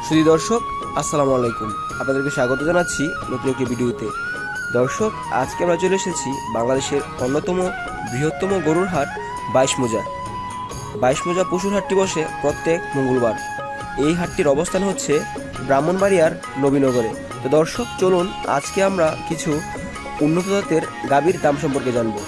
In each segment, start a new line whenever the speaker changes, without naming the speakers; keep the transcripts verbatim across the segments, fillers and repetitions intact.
সুধী দর্শক, আসসালামু আলাইকুম। আপনাদেরকে স্বাগত জানাচ্ছি নতুন একটি ভিডিওতে। দর্শক, আজকে আমরা চলে এসেছি বাংলাদেশের অন্যতম বৃহত্তম গরুর হাট বাইশ মোজা। বাইশ মোজা পশুর হাটটি বসে প্রত্যেক মঙ্গলবার। এই হাটটির অবস্থান হচ্ছে ব্রাহ্মণবাড়িয়ার নবীনগরে। তো দর্শক, চলুন আজকে আমরা কিছু উন্নত জাতের গাভীর দাম সম্পর্কে জানবো।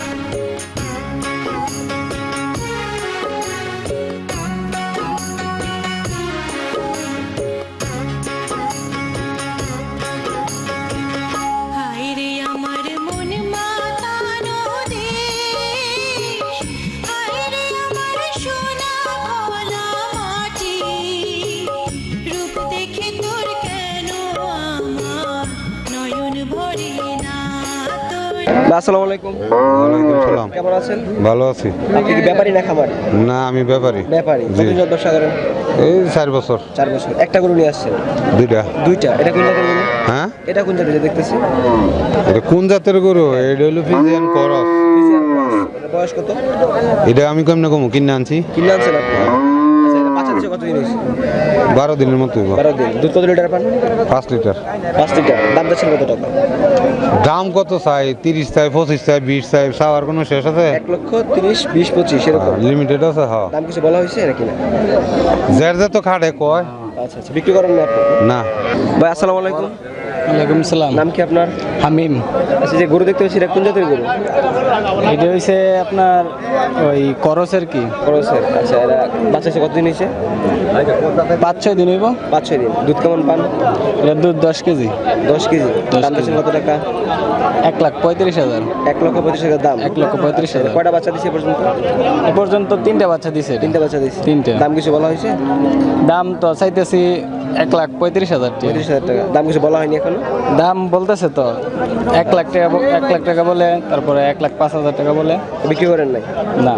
আসসালামু আলাইকুম।
ওয়ালাইকুম সালাম।
কেমন আছেন?
ভালো আছি।
আপনি কি ব্যাপারী না খামার?
না, আমি ব্যাপারী।
ব্যাপারী।
জি।
কতদিন যাবত ব্যবসা করেন?
এই চার বছর।
চার বছর। একটা গরু নিয়ে আসছেন?
দুইটা।
দুইটা। এটা কোন জাতের গরু?
হ্যাঁ,
এটা কোন জাতের দেখতেছি?
এটা কোন জাতের গরু? এটা হলো ফিজিয়ান করস।
Friesian cross. এটা বয়স কত?
এটা আমি কেমনে কমু, কিনে আনছি।
কিনে আনছেন আপনি? আচ্ছা, এটা বাচ্চা দিচ্ছে কতদিন হয়েছে?
বারো দিনের মতো হইব।
বারো দিন। দুধ কত লিটার পান?
পাঁচ লিটার।
পাঁচ লিটার। দাম যাচ্ছেন কত টাকা?
দাম কত চাই? তিরিশ চাই, পঁচিশ চাই, বিশ চাই, চাওয়ার কোনো শেষ আছে?
এক লক্ষ তিরিশ, বিশ, পঁচিশ এরকম
লিমিটেড আছে। হ্যাঁ,
দাম কিছু বলা হয়েছে নাকি না?
যার যা তো খাটে কয়।
আচ্ছা আচ্ছা, বিক্রি করেন না আপনি?
না।
ভাই আসসালামু আলাইকুম।
ওয়ালাইকুম সালাম।
নাম কি আপনার?
হামিম।
আচ্ছা, যে গরু দেখতে পাচ্ছি এটা কোন জাতের গরু?
এটা হইছে আপনার ওই করসের কি
ক্রসের। আচ্ছা, এটা বাচ্চা এসে কতদিন হয়েছে?
পাঁচ ছয় দিন হইব।
পাঁচ ছয় দিন। দুধ কেমন পান?
এটার দুধ দশ কেজি।
দশ কেজি।
দশ
দাম যাচ্ছেন
কেজি।
কত টাকা?
এক লাখ পঁয়ত্রিশ হাজার।
এক লক্ষ পঁয়ত্রিশ হাজার দাম।
এক লক্ষ পঁয়ত্রিশ হাজার।
কয়টা বাচ্চা দিচ্ছে এ পর্যন্ত?
এ পর্যন্ত তিনটা বাচ্চা দিছে এটা।
তিনটা বাচ্চা দিচ্ছে।
তিনটে।
দাম কিছু বলা হয়েছে?
দাম তো চাইতেছি এক লাখ পঁয়ত্রিশ হাজার টাকা।
পঁয়ত্রিশ হাজার টাকা। দাম কিছু বলা হয়নি এখনো?
দাম বলতেছে তো এক লাখ টাকা ব- এক লাখ টাকা বলে, তারপরে এক লাখ পাঁচ হাজার টাকা বলে।
বিক্রি করেন নাই?
না।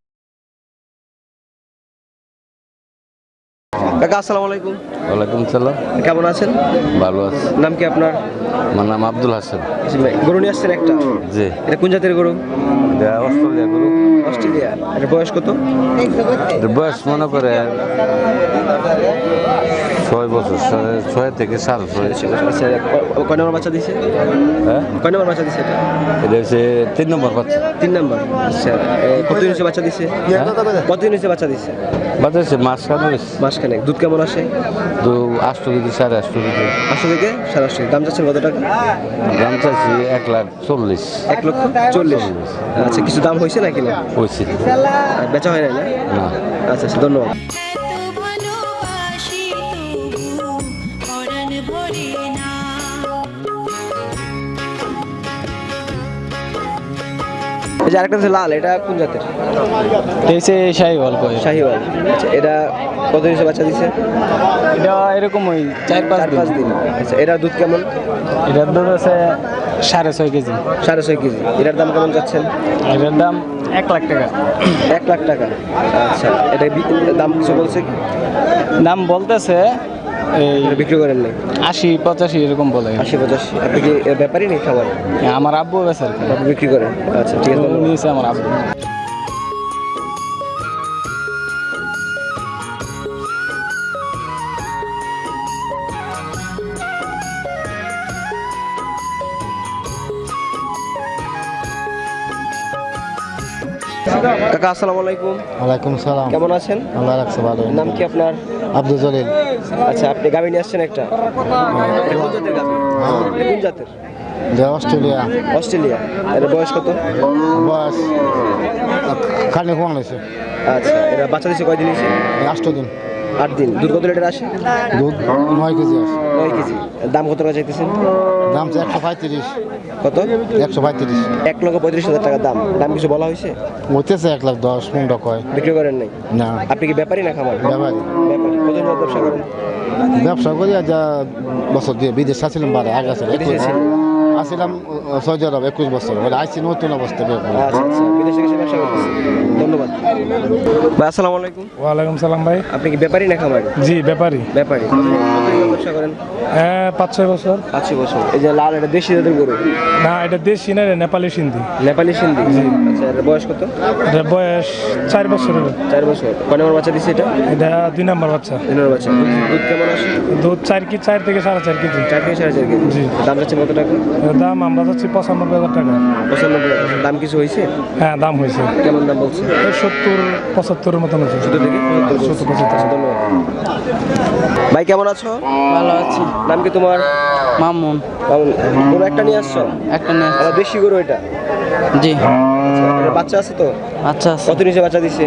কাকা আসসালামু আলাইকুম।
ওয়ালাইকুম সালাম।
কেমন আছেন?
ভালো আছি।
নাম কি আপনার?
আমার নাম আব্দুল হাসান।
জি ভাই, গরু নিয়ে আসছেন একটা?
জি।
এটা কোন জাতের গরু?
এটা অস্ট্রেলিয়া গরু।
অস্ট্রেলিয়া। এটা বয়স কত?
এটার বয়স মনে করে ছয় বছর, ছয়- ছয় থেকে সাড়ে ছয়।
আচ্ছা, ক- কয় নম্বর বাচ্চা দিছে?
হ্যাঁ,
কয় নম্বর বাচ্চা দিছে এটা?
এটা হচ্ছে তিন নম্বর বাচ্চা।
তিন নম্বর। আচ্ছা, এ, কতদিন হচ্ছে বাচ্চা দিছে?
হ্যাঁ?
কতদিন হচ্ছে বাচ্চা দিছে?
বাচ্চা হচ্ছে মাস খানে হয়েছে।
মাসখানেক। দুধ কেমন আসে?
তো আষ্ট কেজি, সাড়ে আষ্ট কেজি।
আটশো থেকে সাড়ে আটশো। দাম যাচ্ছেন কত টাকা?
দাম চাইছি এক লাখ চল্লিশ
এক লক্ষ চল্লিশ। আচ্ছা, কিছু দাম হয়েছে নাকি না?
হয়েছে।
আর বেচা হয় নাই না?
না।
আচ্ছা আচ্ছা, ধন্যবাদ। এই যে আরেকটা হচ্ছে লাল, এটা কোন জাতের?
এটা হইছে শাহিওয়াল কয়।
শাহিওয়াল। আচ্ছা, এটা কত দিন বাচ্চা দিছে?
এটা এরকম ওই চার পাঁচ
চার পাঁচ
দিন।
দিন। আচ্ছা, এটার দুধ কেমন?
এটার দুধ আছে সাড়ে ছয় কেজি।
সাড়ে ছয় কেজি। এটার দাম কেমন যাচ্ছেন?
এটার দাম এক লাখ টাকা।
এক লাখ টাকা। আচ্ছা, এটা বি- দাম কিছু বলছে কি?
দাম বলতেছে এই
এটা বিক্রি করেন নাই?
আশি পঁচাশি এরকম বলে।
আশি পঁচাশি। আপনি কি এর ব্যাপারই নেই খাবার?
আমার আব্বু বেছে আর কি।
আপনি বিক্রি করেন? আচ্ছা, ঠিক আছে, ধন্যবাদ।
নিয়েছে আমার আব্বু।
কাকা আসসালামু আলাইকুম।
ওয়ালাইকুম সালাম।
কেমন আছেন?
আল্লাহ রাখছে ভালো।
নাম কি আপনার?
আব্দুল জলিল।
আচ্ছা, আপনি গাভী নিয়ে আসছেন একটা? এটা কোন জাতের গাভী? এটা কোন জাতের?
যে অস্ট্রেলিয়া।
অস্ট্রেলিয়া। এটা বয়স কত?
বয়স খালি কম হয়েছে।
আচ্ছা, এটা বাচ্চা দিচ্ছে কয়দিন হয়েছে?
আষ্ট দিন।
আট দিন। দুধ কত লিটার আসে?
দুধ নয় কেজি আছে।
নয় কেজি। দাম কত টাকা চাইতেছেন?
দাম তো একশো পঁয়ত্রিশ।
কত?
একশো পঁয়ত্রিশ।
এক লক্ষ পঁয়ত্রিশ হাজার টাকা দাম। দাম কিছু বলা হয়েছে?
হইতেছে এক লাখ দশ পনেরো কয়।
বিক্রি করেন নাই?
না,
আপনি কি ব্যাপারী না খামার?
ব্যাপারী।
ব্যাপারী। কতদিন ধরে ব্যবসা করেন?
ব্যবসা করি আর যা বছর দিয়ে বিদেশ ছিলাম বারে আগে আছে
বিদেশে ছিলেন?
আসছিলাম ও, সৌদি আরব একুশ বছর বলে আইসি নতুন অবস্থা বের করে।
আচ্ছা আচ্ছা বিদেশে গেছে ব্যবসা করতেছে ধন্যবাদ ভাই আসসালামু আলাইকুম
ওয়ালাইকুম সালাম ভাই।
আপনি কি ব্যাপারী না খামারি
জি ব্যাপারী।
ব্যাপারী কতদিন ব্যবসা করেন
হ্যাঁ পাঁচ ছয় বছর।
পাঁচ ছয় বছর এই যে লাল এটা দেশি জাতের গরু
না এটা দেশি না রে, নেপালি সিন্ধি।
নেপালি সিন্ধি আচ্ছা এর বয়স কত
এটা বয়স চার বছর হবে।
চার বছর কয় নম্বর বাচ্চা দিচ্ছে এটা
এটা দুই নম্বর বাচ্চা।
তিন নম্বর বাচ্চা দুধ দুধ কেমন আসে
দুধ চার কি চার থেকে সাড়ে চার কেজি।
চার থেকে সাড়ে চার কেজি
জি।
দাম যাচ্ছে কত টাকা
এর দাম আমরা যাচ্ছি পঁচানব্বই হাজার টাকা।
পঁচানব্বই হাজার। দাম কিছু হয়েছে
হ্যাঁ দাম হয়েছে
কেমন দাম বলছে
এই সত্তর পঁচাত্তরের মতন হয়েছে।
সত্তর থেকে
সত্তর পঁচাত্তর।
আচ্ছা ধন্যবাদ ভাই কেমন আছো
ভালো আছি।
নাম কি তোমার
মামুন
মামুন গরু একটা নিয়ে আসছো
একটা নিয়ে
আর দেশি গরু এটা
জি।
আচ্ছা এর বাচ্চা আছে তো
আচ্ছা আছে
কত নিচে বাচ্চা দিচ্ছে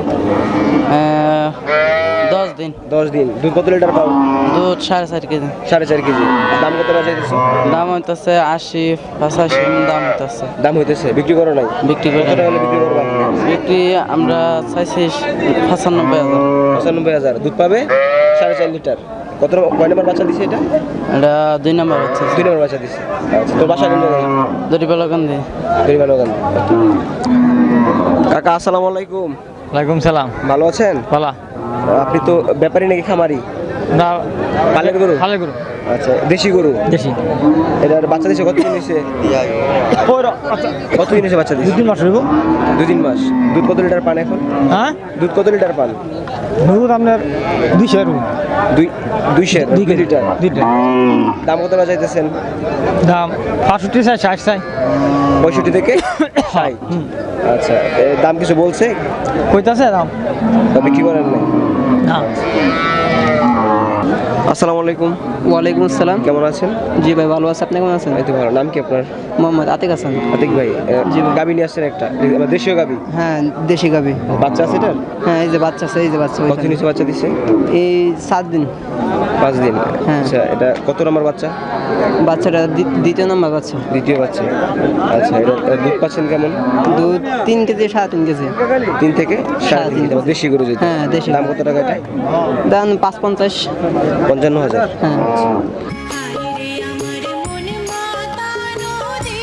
দশ দিন
দশ দিন দুধ কত লিটার পাও
দুধ সাড়ে চার কেজি।
সাড়ে চার কেজি দাম কত বাজাই দিচ্ছ
দাম হইতেছে আশি পঁচাশি দাম হইতেছে।
দাম হইতেছে বিক্রি করো নাই
বিক্রি করে
কত টাকা হলে বিক্রি করবা
বিক্রি আমরা চাইছি পঁচানব্বই হাজার।
পঁচানব্বই হাজার দুধ পাবে সাড়ে চার লিটার কত কয় নম্বর বাচ্চা দিছে এটা
এটা দুই নম্বর হচ্ছে
দুই নম্বর বাচ্চা দিছে আচ্ছা তোর বাসা কোন জায়গায়
দরিপালাকান্দি।
গরিবানগঞ্জ কাকা আসসালামু আলাইকুম
ওয়ালাইকুম সালাম।
ভালো আছেন
পালা
আপনি তো ব্যাপারী নাকি খামারি
না
পালের গরু
ভালো করো
আচ্ছা দেশি গরু
দেশি।
এটার বাচ্চা দিছে কতদিন হয়েছে কতদিন হয়েছে বাচ্চা দিছে
তিন মাস হইব।
দুই তিন মাস দুধ কত লিটার পান এখন
হ্যাঁ
দুধ কত লিটার পান
দুধ আপনার দুইশো
দুই দুইশো দুই লিটার
দুইটা।
দাম কত বাজাইতেছেন
দাম পাঁচষট্টি চাই ষাট চাই
পঁয়ষট্টি থেকে ষাট আচ্ছা এর দাম কিছু বলছে
কইতাছে দাম
তবে কি করেন নাই
না।
আসসালামু আলাইকুম
ওয়ালাইকুম আসসালাম।
কেমন আছেন
জি ভাই ভালো আছে। আপনি কেমন আছেন?
এই তো ভালো নাম কি আপনার
মোহাম্মদ আতিক হাসান।
আতিক ভাই গাবি নিয়ে আসছেন একটা আমার দেশীয় গাবি
হ্যাঁ দেশি গাবি।
বাচ্চা আছে এটার
হ্যাঁ এই যে বাচ্চা আছে এই যে বাচ্চা
কত নিচে বাচ্চা দিচ্ছে
এই সাত দিন
পাঁচ দিন
হ্যাঁ।
আচ্ছা এটা কত নম্বর বাচ্চা
বাচ্চাটা দ্বি- দ্বিতীয় নম্বর বাচ্চা।
দ্বিতীয় বাচ্চা আচ্ছা এটা এটা দুধ পাচ্ছেন কেমন
দুধ তিন কেজি সাড়ে তিন কেজি।
তিন থেকে সাড়ে তিন কেজি। দেশি গরু যেটা
হ্যাঁ দেশি।
দাম কত টাকা এটা
দাম পাঁচ পঞ্চাশ।
পঞ্চান্ন হাজার
হ্যাঁ
আইরে আমার মন মাতানো রে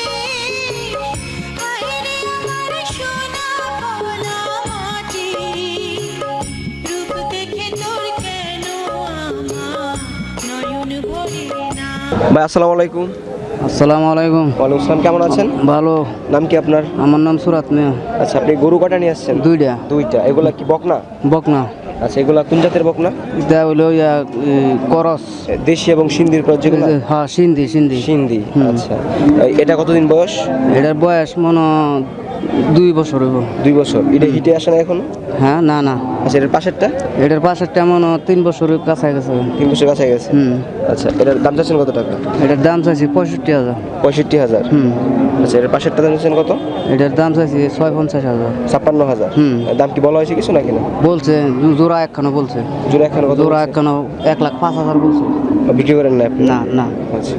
আইরে আমার সোনা ভোলা মাটি রূপ দেখে তোর কেন আমার নয়ন ভরে না।
ভাই আসসালামু আলাইকুম
আসসালামু আলাইকুম।
ওয়ালাইকুম আসসালাম কেমন আছেন
ভালো।
নাম কি আপনার
আমার নাম সুরাত মিয়া।
আচ্ছা আপনি গরু কটা নিয়ে আসছেন
দুইটা
দুইটা এগুলা কি বকনা
বকনা।
আচ্ছা এগুলা কোন জাতের বকনা
এটা হলো ইয়া করস।
দেশি এবং সিন্ধির পর যেগুলা
হ্যাঁ সিন্ধি সিন্ধি।
সিন্ধি আচ্ছা এই- এটা কতদিন বয়স
এটার বয়স মনে হয় দুই বছর হইব।
দুই বছর এটা হিটে আসে না এখনো
হ্যাঁ না না
আচ্ছা এটার পাশেরটা
এটার পাশের তেমন তিন বছরের কাছে গেছে।
তিন বছর কাছে গেছে
হুম
আচ্ছা এটার দাম চাচ্ছেন কত টাকা
এটার দাম চাইছি পঁয়ষট্টি হাজার।
পঁয়ষট্টি হাজার
হুম
আচ্ছা এটার পাশেরটা দাম চাচ্ছেন কত
এটার দাম চাইছি ছয় পঞ্চাশ হাজার।
ছাপ্পান্ন হাজার
হুম।
দাম কি বলা হয়েছে কিছু নাকি না
বলছে জো- জোড়া একখানো বলছে।
জোড়া এখন কত
জোড়া
বলছে?
একখানো এক লাখ পাঁচ হাজার বলছে।
বিক্রি করেন না আপনি
না না
আচ্ছা